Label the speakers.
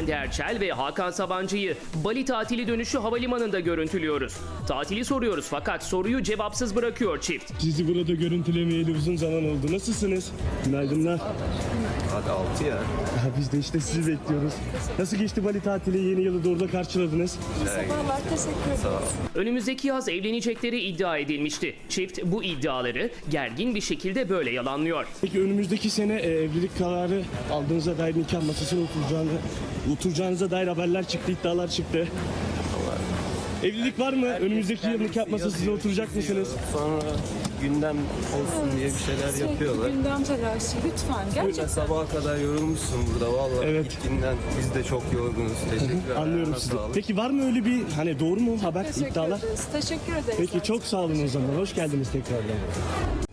Speaker 1: Hande Erçel ve Hakan Sabancı'yı Bali tatili dönüşü havalimanında görüntülüyoruz. Tatili soruyoruz fakat soruyu cevapsız bırakıyor çift.
Speaker 2: Sizi burada görüntülemeyeli uzun zaman oldu. Nasılsınız? Günaydınlar.
Speaker 3: Hadi 6 ya.
Speaker 2: Biz de işte sizi bekliyoruz. Nasıl geçti Bali tatili? Yeni yılı da orada karşıladınız.
Speaker 4: Sabahlar, teşekkür ederim.
Speaker 1: Önümüzdeki yaz evlenecekleri iddia edilmişti. Çift bu iddiaları gergin bir şekilde böyle yalanlıyor.
Speaker 2: Peki önümüzdeki sene evlilik kararı aldığınıza dair nikah masasına oturacağınıza dair haberler çıktı, iddialar çıktı. Evlilik var mı? Önümüzdeki yıl nikah masasına oturacak mısınız?
Speaker 3: Sonra gündem olsun diye bir şeyler yapıyorlar.
Speaker 4: Gündem telaşı lütfen.
Speaker 3: Böyle
Speaker 4: Gerçekten.
Speaker 3: sabaha kadar yorulmuşsun burada vallahi.
Speaker 2: Evet.
Speaker 3: Gittiğinden biz de çok yorgunuz. Teşekkürler.
Speaker 2: Anlıyorum
Speaker 3: Ayağına
Speaker 2: sizi.
Speaker 3: sağlık.
Speaker 2: Peki var mı öyle bir doğru mu haber,
Speaker 4: Teşekkür
Speaker 2: iddialar?
Speaker 4: ederiz. Teşekkür ederiz.
Speaker 2: Peki çok sağ olun o zaman. Hoş geldiniz tekrardan.